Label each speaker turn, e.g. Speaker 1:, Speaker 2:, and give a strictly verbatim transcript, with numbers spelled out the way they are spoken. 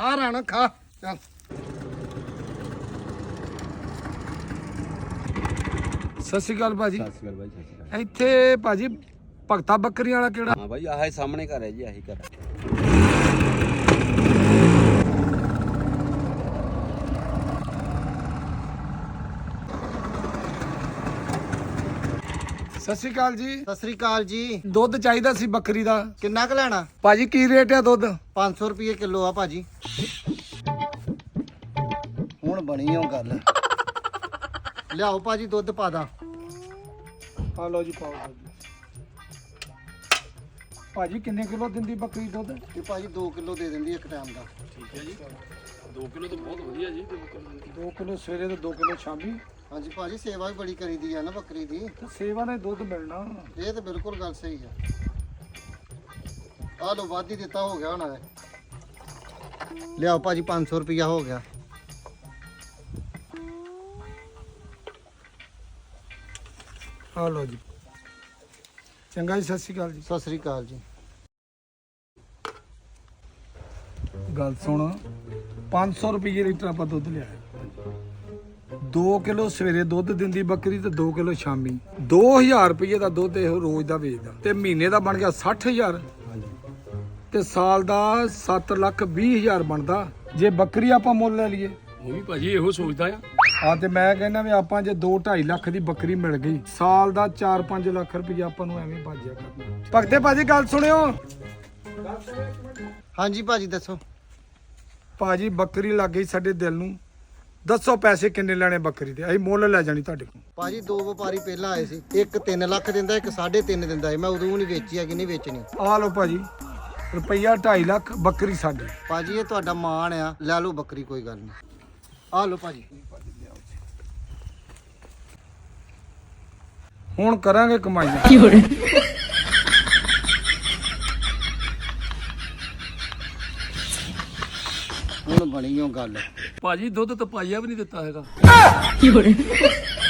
Speaker 1: ਖਾ ਰਾਣਾ ਖਾ ਚੱਲ ਸਤਿ ਸ਼੍ਰੀ ਅਕਾਲ ਭਾਜੀ।
Speaker 2: ਸਤਿ ਸ਼੍ਰੀ ਅਕਾਲ ਬਾਈ, ਸਤਿ ਸ਼੍ਰੀ ਅਕਾਲ।
Speaker 1: ਇੱਥੇ ਭਾਜੀ ਭਗਤਾ ਬੱਕਰੀਆਂ ਵਾਲਾ ਕਿਹੜਾ?
Speaker 2: ਹਾਂ ਬਾਈ ਆਹ ਸਾਹਮਣੇ ਘਰ ਹੈ ਜੀ, ਆਹੀ ਘਰ ਹੈ।
Speaker 1: ਸਤਿ ਸ਼੍ਰੀ ਅਕਾਲ ਜੀ।
Speaker 3: ਸਤਿ ਸ੍ਰੀ ਅਕਾਲ ਜੀ।
Speaker 1: ਦੁੱਧ ਚਾਹੀਦਾ ਸੀ ਬੱਕਰੀ ਦਾ।
Speaker 3: ਕਿੰਨਾ ਕੁ ਲੈਣਾ?
Speaker 1: ਭਾਜੀ ਕੀ ਰੇਟ ਆ ਦੁੱਧ?
Speaker 3: ਪੰਜ ਸੌ ਰੁਪਏ ਕਿਲੋ ਆ ਭਾਜੀ। ਹੁਣ ਬਣੀ ਉਹ ਗੱਲ। ਲਿਆਓ ਭਾਜੀ ਦੁੱਧ ਪਾ ਦਾਂ।
Speaker 1: ਆ ਲਓ ਜੀ ਪਾਓ ਭਾਜੀ। ਕਿੰਨੇ ਕਿਲੋ ਦਿੰਦੀ ਬੱਕਰੀ ਦੁੱਧ?
Speaker 3: ਇਹ ਭਾਜੀ ਦੋ ਕਿਲੋ ਦੇ ਦਿੰਦੀ ਇੱਕ ਟਾਈਮ ਦਾ।
Speaker 2: ਠੀਕ ਹੈ ਜੀ, ਦੋ ਕਿਲੋ ਤਾਂ ਬਹੁਤ ਵਧੀਆ ਜੀ।
Speaker 1: ਦੋ ਕਿਲੋ ਸਵੇਰੇ ਤੇ ਦੋ ਕਿਲੋ ਸ਼ਾਮੀ।
Speaker 3: ਹਾਂਜੀ ਭਾਜੀ ਸੇਵਾ ਵੀ ਬੜੀ ਕਰੀਦੀ ਆ ਨਾ ਬੱਕਰੀ ਦੀ।
Speaker 1: ਤੇ ਸੇਵਾ ਨਾਲ ਦੁੱਧ ਮਿਲਣਾ।
Speaker 3: ਇਹ ਤਾਂ ਬਿਲਕੁਲ ਗੱਲ ਸਹੀ ਆ। ਆ ਲਓ ਵਾਧੀ ਦਿੱਤਾ ਹੋ ਗਿਆ ਹੁਣ। ਲਿਆਓ ਭਾਜੀ ਪੰਜ ਸੌ ਰੁਪਇਆ ਹੋ ਗਿਆ।
Speaker 1: ਆ ਲਓ ਜੀ। ਚੰਗਾ ਜੀ, ਸਤਿ ਸ਼੍ਰੀ ਅਕਾਲ ਜੀ।
Speaker 3: ਸਤਿ ਸ੍ਰੀ ਅਕਾਲ ਜੀ।
Speaker 1: ਗੱਲ ਸੁਣ, ਪੰਜ ਸੌ ਰੁਪਏ ਲੀਟਰ ਆਪਾਂ ਦੁੱਧ ਲਿਆ। ਦੋ ਕਿਲੋ ਸਵੇਰੇ ਦੁੱਧ ਦਿੰਦੀ ਬੱਕਰੀ ਤੇ ਦੋ ਕਿਲੋ ਸ਼ਾਮੀ। ਦੋ ਹਜ਼ਾਰ ਰੁਪਏ ਦਾ ਦੁੱਧ ਇਹ ਰੋਜ਼ ਦਾ ਵੇਚਦਾ ਤੇ ਮਹੀਨੇ ਦਾ ਬਣ ਗਿਆ ਸੱਠ ਹਜ਼ਾਰ ਤੇ ਸਾਲ ਦਾ ਸੱਤ ਲੱਖ ਵੀਹ ਹਜ਼ਾਰ ਬਣਦਾ ਜੇ ਬੱਕਰੀ ਆਪਾਂ ਮੁੱਲ ਲੈ ਲਈਏ।
Speaker 2: ਉਹ ਵੀ ਭਾਜੀ ਇਹੋ ਸੋਚਦਾ ਆ।
Speaker 1: ਆ ਤੇ ਮੈਂ ਕਹਿੰਦਾ ਵੀ ਆਪਾਂ ਜੇ ਦੋ ਢਾਈ ਲੱਖ ਦੀ ਬੱਕਰੀ ਮਿਲ ਗਈ, ਸਾਲ ਦਾ ਚਾਰ ਪੰਜ ਲੱਖ ਰੁਪਏ ਆਪਾਂ ਨੂੰ ਐਵੇਂ ਬਚ ਜਾ ਕਰਨਾ। ਭਗਤੇ ਭਾਜੀ ਗੱਲ ਸੁਣਿਓ।
Speaker 3: ਹਾਂਜੀ ਭਾਜੀ ਦੱਸੋ।
Speaker 1: ਭਾਜੀ ਬੱਕਰੀ ਲੱਗ ਗਈ ਸਾਡੇ ਦਿਲ ਨੂੰ। ਦੱਸੋ ਪੈਸੇ ਕਿੰਨੇ ਲੈਣੇ ਬੱਕਰੀ ਦੇ? ਅਸੀਂ ਮੁੱਲ ਲੈ ਜਾਣੀ ਤੁਹਾਡੇ ਕੋਲ।
Speaker 3: ਭਾਜੀ ਦੋ ਵਪਾਰੀ ਪਹਿਲਾਂ ਆਏ ਸੀ, ਇੱਕ ਤਿੰਨ ਲੱਖ ਦਿੰਦਾ, ਇੱਕ ਸਾਢੇ ਤਿੰਨ ਦਿੰਦਾ ਸੀ। ਮੈਂ ਉਦੋਂ ਨਹੀਂ ਵੇਚੀ ਆ ਕਿ ਨਹੀਂ ਵੇਚਣੀ।
Speaker 1: ਆ ਲਓ ਭਾਜੀ, ਰੁਪਈਆ ਢਾਈ ਲੱਖ ਬੱਕਰੀ ਸਾਡੀ।
Speaker 3: ਭਾਜੀ ਇਹ ਤੁਹਾਡਾ ਮਾਣ ਆ, ਲੈ ਲਓ ਬੱਕਰੀ ਕੋਈ ਗੱਲ ਨਹੀਂ। ਆ ਲਓ ਭਾਜੀ।
Speaker 1: ਹੁਣ ਕਰਾਂਗੇ ਕਮਾਈ।
Speaker 3: ਹੁਣ ਬਣੀ ਉਹ ਗੱਲ।
Speaker 2: ਭਾਜੀ ਦੁੱਧ ਤਾਂ ਪਾਈਆ ਵੀ ਨਹੀਂ ਦਿੱਤਾ ਹੈਗਾ।